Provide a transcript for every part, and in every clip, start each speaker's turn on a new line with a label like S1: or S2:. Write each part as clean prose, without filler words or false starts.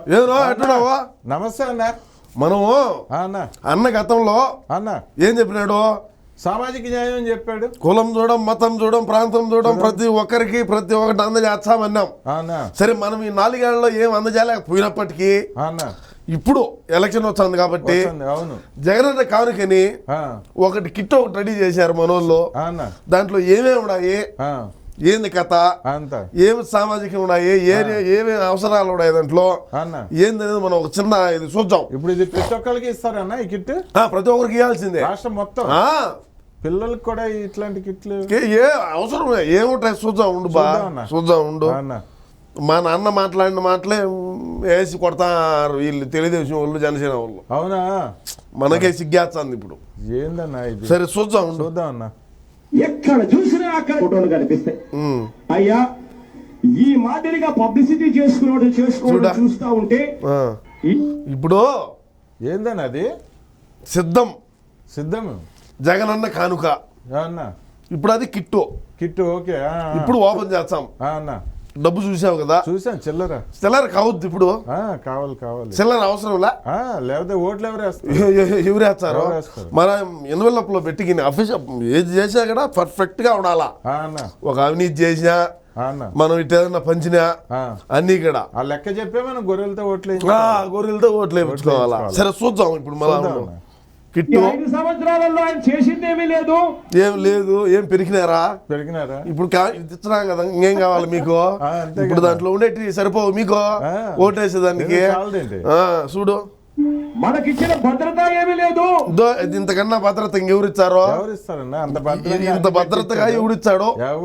S1: ఏదో ఎట్టున్నావా?
S2: నమస్తే అన్న.
S1: మనము అన్న గతంలో ఏం చెప్పినాడు?
S2: సామాజిక న్యాయం అని చెప్పాడు.
S1: కులం చూడం, మతం చూడం, ప్రాంతం చూడం, ప్రతి ఒక్కరికి ప్రతి ఒక్కటి అందజేస్తామన్నాం. సరే, మనం ఈ 4 ఏళ్లలో ఏం అందజేయలేకపోయినప్పటికీ ఇప్పుడు ఎలక్షన్ వచ్చింది కాబట్టి జగనన్న కానుకని ఒకటి కిట్ ఒకటి రెడీ చేశారు మనోళ్ళు. దాంట్లో ఏమేమి ఉన్నాయి, ఏంది కథ, ఏమి సామాజికం ఉన్నాయి, ఏమేమి అవసరాలు ఉన్నాయి దాంట్లో ఏంది అనేది మనం ఒక చిన్న ఇది చూద్దాం.
S2: ఇప్పుడు ఇది ప్రతి ఒక్కరికి ఇస్తారన్న ఈ కిట్?
S1: ప్రతి ఒక్కరికి ఇవ్వాల్సిందే, రాష్ట్రం
S2: మొత్తం. పిల్లలకు కూడా ఇట్లాంటి కిట్లు
S1: ఏ అవసరం ఏముంటాయి చూద్దాం ఉండు బా, చూద్దాం ఉండు. మా నాన్న మాట్లాడిన మాటలే వేసి కొడతారు వీళ్ళు తెలుగుదేశం వాళ్ళు, జనసేన వాళ్ళు.
S2: అవునా?
S1: మనకే సిగ్గేస్తుంది ఇప్పుడు.
S2: ఏందన్నా ఇది?
S1: సరే చూద్దాం
S2: అన్న.
S3: ఎక్కడ చూసినా అక్కడ ఫోటోలు కనిపిస్తాయి. అయ్యా, ఈ మాదిరిగా పబ్లిసిటీ చేసుకోవడం చూస్తా ఉంటే
S1: ఇప్పుడు
S2: ఏందన్నా అది?
S1: సిద్ధం జగనన్న కానుక
S2: అన్న.
S1: ఇప్పుడు అది కిట్టు
S2: ఓకే.
S1: ఇప్పుడు ఓపెన్ చేస్తాం
S2: అన్న.
S1: డబ్బు చూసావు కదా?
S2: చూసాను.
S1: చిల్లర కావద్దు ఇప్పుడు.
S2: కావాలి
S1: చిల్లర అవసరంలా,
S2: లేకపోతే ఓట్లు
S1: ఎవరు వేస్తారు? మన ఎన్వెలప్ లో పెట్టి అఫీషియల్ ఏది చేసినా కూడా పర్ఫెక్ట్ గా ఉండాలా. ఒక అవినీతి చేసినా, మనం ఇటు ఏదన్నా పంచినా అన్ని కూడా
S2: లెక్క చెప్పే మనం గొర్రెలతో
S1: ఓట్లు వేయించుకోవాలా. సరే చూద్దాం ఇప్పుడు మన కిట్టు.
S3: 5 సంవత్సరాలలో ఆయన చేసిందేమీ లేదు.
S1: ఏం లేదు, ఏం పెరిగినారా? ఇప్పుడు ఇస్తున్నాం కదా, ఇంకేం కావాలి మీకు? ఇప్పుడు దాంట్లో ఉండేటి సరిపోవు మీకు ఓటేసేదానికి. చూడు,
S3: మనకిచ్చిన భద్రత ఏమీ లేదు.
S1: ఇంతకన్నా భద్రత ఇంకెవరిచ్చారో? ఇంత భద్రతగా ఎవరిచ్చాడు?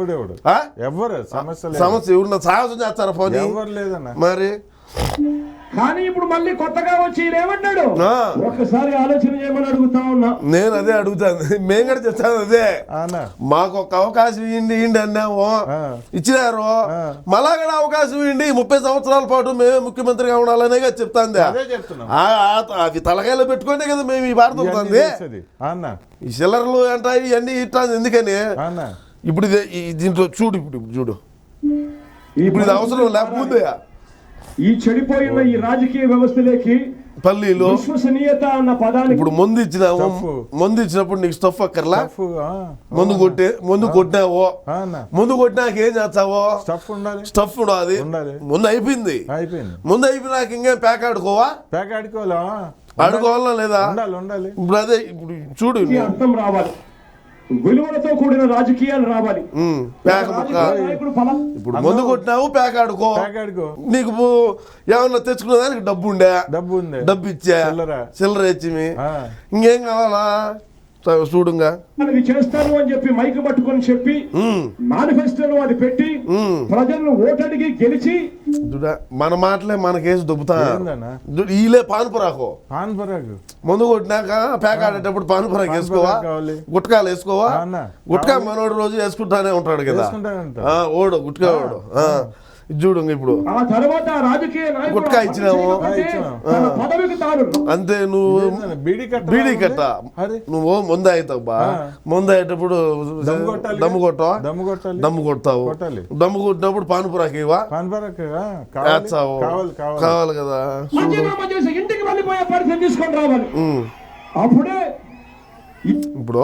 S1: సమస్య ఎవరు సాహసం చేస్తారా? పోనీ మరి.
S3: కానీ ఇప్పుడు మళ్ళీ కొత్తగా వచ్చి ఏమంటాడు? ఒక్కసారి ఆలోచన చేయమని అడుగుతా ఉన్నా.
S1: నేను అదే అడుగుతాను, మేము కూడా చెప్తాను అదే. మాకు ఒక అవకాశం ఇవ్వండి అన్నాము, ఇచ్చినారు. మళ్ళా కూడా అవకాశం ఇవ్వండి, 30 సంవత్సరాల పాటు మేమే ముఖ్యమంత్రిగా ఉండాలనే చెప్తాంది. అది తలకాయలో పెట్టుకుంటే కదా మేము ఈ భారత అవుతుంది. ఈ చిల్లరలు అంటాయి ఇవన్నీ ఇట్లా ఎందుకని. ఇప్పుడు దీంట్లో చూడు, ఇప్పుడు ఇది అవసరం లేకపోతే
S3: ఈ చెడిపోయిన ఈ రాజకీయ వ్యవస్థలోకి
S1: పల్లీలు
S3: విశ్వసనీయత అన్న పదాన్ని
S1: ఇప్పుడు ముందు ఇచ్చినప్పుడు నీకు స్టఫ్ అక్కర్లా. ముందు కొట్టినావో, ముందు కొట్టినాక ఏం చేస్తావో? స్టఫ్ ఉండాలి. ముందు అయిపోయింది. ముందు అయిపోయినాక ఇంకేం ప్యాక్ ఆడుకోవాలా లేదా? ఇప్పుడు అదే ఇప్పుడు చూడు,
S3: అర్థం రావాలి, విలువలతో కూడిన రాజకీయాలు రావాలి.
S1: ఇప్పుడు ముందు కొట్టినావు, ప్యాక్ ఆడుకో. నీకు ఏమన్నా తెచ్చుకునే దానికి డబ్బు ఇచ్చా, చిల్లర ఇచ్చి ఇంకేం కావాలా? చూడుగా
S3: చేస్తాను అని చెప్పి మైక్ పట్టుకొని చెప్పి మేనిఫెస్టోలో అది పెట్టి ప్రజలను ఓటడిగి గెలిచి
S1: మన మాటలే మనకేసి దుబ్బుతా. ఈలే పాన్పురాకు ముందు కొట్టినాక ప్యాక్ ఆడేటప్పుడు పాన్పురాకు వేసుకోవా, గుట్కాలు వేసుకోవా? గుట్కా మనోడు రోజు వేసుకుంటానే ఉంటాడు కదా ఓడు, గుట్కా ఓడు. చూడు ఇప్పుడు
S3: ఆ తర్వాత రాజకీయ
S1: గుట్కా ఇచ్చినావు అంతే. నువ్వు బీడీ కట్ట నువ్వు ముందు అవుతావు బా. ముందు అయ్యేటప్పుడు దమ్ము కొడతావు. దమ్ము కొట్టినప్పుడు పాన్పురాకి వేస్తావు. కావాలి కదా.
S3: ఇంటికి వెళ్ళిపోయే పరిస్థితి తీసుకొని రావాలి. అప్పుడే
S1: ఇప్పుడు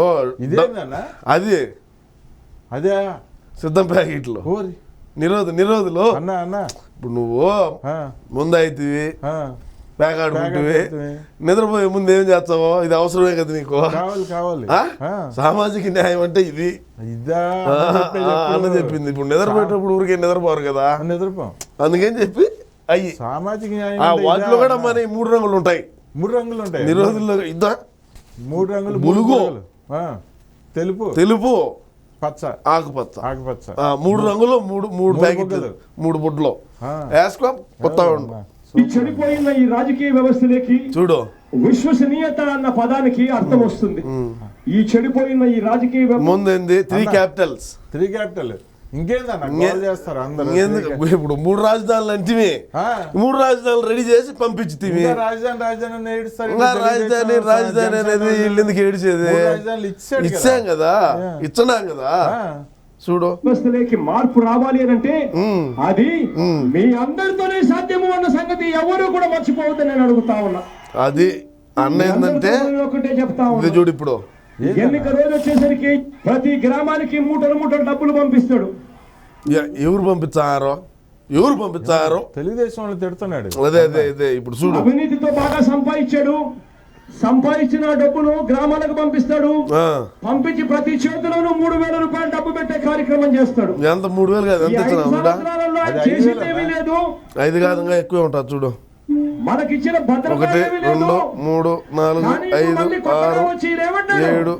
S1: అదే సిద్ధం ప్యాకెట్లు నిరోధులు. ఇప్పుడు నువ్వు ముందు అవుతుంది, ప్యాక్ ఆడుకుంటువి, నిద్రపోయే ముందు ఏం చేస్తావో? ఇది అవసరమే కదా నీకు. సామాజిక న్యాయం అంటే ఇది అన్న చెప్పింది. ఇప్పుడు నిద్రపోయేటప్పుడు ఊరికే నిద్రపోరు కదా, అందుకని చెప్పి అయ్యి
S2: సామాజిక న్యాయం.
S1: వాటిలో కూడా మన 3 రంగులు ఉంటాయి. నిరోధుల్లో ఇద్దా
S2: 3 రంగులు:
S1: బులుగు,
S2: తెలుపు,
S1: ఆకుపచ్చ. 3 రంగులు, 3 ప్యాకెట్లు, 3 బుడ్లు వేసుకో. కొత్త
S3: చెడిపోయిన ఈ రాజకీయ వ్యవస్థలోకి
S1: చూడు
S3: విశ్వసనీయత అన్న పదానికి అర్థం వస్తుంది. ఈ చెడిపోయిన ఈ రాజకీయ
S1: ముందేంది 3 క్యాపిటల్స్. ఇప్పుడు 3 రాజధానులు అంటే 3 రాజధానులు రెడీ చేసి పంపించి రాజధాని అనేది వీళ్ళు ఎందుకు ఏడిచేది? ఇచ్చాం కదా. చూడు
S3: వ్యవస్థలోకి మార్పు రావాలి అని అంటే అది మీ అందరితోనే సాధ్యము అన్న సంగతి ఎవరు కూడా మర్చిపోవద్దని నేను అడుగుతా ఉన్నా.
S1: అది అన్న ఏంటంటే
S3: ఒకటే చెప్తా
S1: ఇది
S3: ఉన్నా,
S1: చూడు ఇప్పుడు
S3: ఎన్నిక రోజు వచ్చేసరికి ప్రతి గ్రామానికి మూటలు మూటలు డబ్బులు పంపిస్తాడు.
S1: ఎవరు పంపించారో
S2: తెలుగుదేశం వాళ్ళు తిడుతున్నాడు.
S1: అదే ఇప్పుడు చూడు
S3: అవినీతితో బాగా సంపాదించాడు. సంపాదించిన డబ్బును గ్రామాలకు పంపిస్తాడు. పంపించి ప్రతి చేతిలోనూ 3,000 రూపాయలు డబ్బు పెట్టే కార్యక్రమం చేస్తాడు.
S1: ఎంత 3,000 కాదు, ఎంత ఇచ్చినా
S3: సంవత్సరాలలో ఆయన చేసిందేమీ లేదు.
S1: 5 కాదు ఇంకా ఎక్కువే ఉంటుంది చూడు.
S3: మనకిచ్చిన భద్రత
S1: 1 2 3 4 5 6 7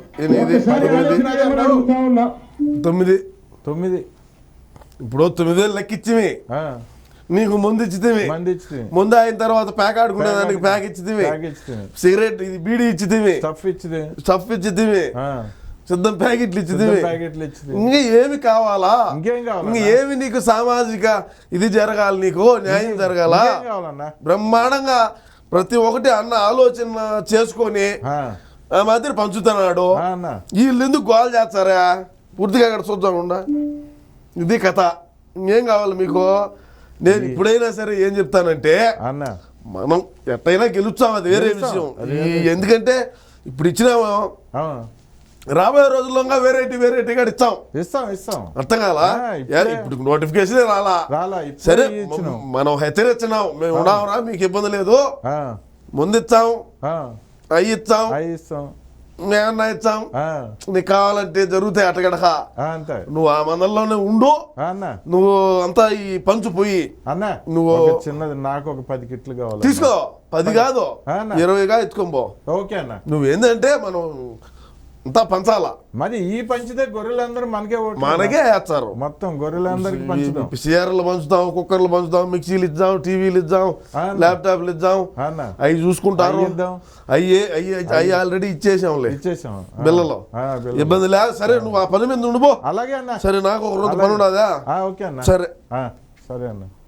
S1: 8 9 ఇప్పుడు 9,000 లెక్కిచ్చివి. నీకు ముందు ఇచ్చితివి, ముందు అయిన తర్వాత ప్యాక్ ఆడుకునే దానికి ప్యాక్ ఇచ్చితివి, సిగరెట్ ఇది బీడీ ఇచ్చితివి, స్టఫ్ ఇచ్చితివి, సిద్ధం ప్యాకెట్లు ఇచ్చితివి. ఇంకా ఏమి కావాలా? ఇంకా ఏమి నీకు సామాజిక ఇది జరగాలి, నీకు న్యాయం జరగాల. బ్రహ్మాండంగా ప్రతి ఒక్కటి అన్న ఆలోచన చేసుకొని ఆ మాదిరి పంచుతున్నాడు. వీళ్ళు ఎందుకు గోల్ చేస్తారా? పూర్తిగా అక్కడ చూద్దాం. ఇది కథ. ఇంకేం కావాలి మీకు? నేను ఇప్పుడైనా సరే ఏం చెప్తానంటే మనం ఎట్టయినా గెలుస్తాం, అది వేరే విషయం. ఎందుకంటే ఇప్పుడు ఇచ్చినాము, రాబోయే రోజుల్లో వెరైటీగా ఇస్తాం. అర్థం కాలా? ఇప్పుడు నోటిఫికేషన్ రాలా. సరే మనం హెచ్చరించినాం, మేము ఉన్నామరా, మీకు ఇబ్బంది లేదు, ముందు ఇచ్చాం, అవి ఇచ్చాం, మేమన్నా ఇచ్చాం, నీకు కావాలంటే జరుగుతాయి అటగడక. నువ్వు ఆ మందల్లోనే ఉండు, నువ్వు అంతా ఈ పంచు పోయి నువ్వు
S2: చిన్నది నాకు ఒక 10 కిట్లు కావాలి,
S1: తీసుకో. 10 కాదు 20గా ఎత్తుకోబో.
S2: ఓకే అన్న.
S1: నువ్వేందంటే మనం అంతా పంచాలా.
S2: మరి ఈ పంచితే గొర్రెలందరూ
S1: మనకే వేస్తారు.
S2: మొత్తం గొర్రెలందరికి పంచుతాం.
S1: సీఆర్లు పంచుతాం, కుక్కర్లు పంచుతాం, మిక్సీలు ఇద్దాం, టీవీలు ఇద్దాం, ల్యాప్టాప్లు ఇద్దాం, అవి చూసుకుంటారు. అవి ఆల్రెడీ ఇచ్చేసాంలే బిల్లలో, ఇబ్బంది లేదు. సరే నువ్వు ఆ పని మీద ఉండిపో.
S2: అలాగే అన్న.
S1: సరే నాకు ఒక రోజు పని ఉండదా?
S2: ఓకే అన్న.
S1: సరే
S2: సరే అన్న.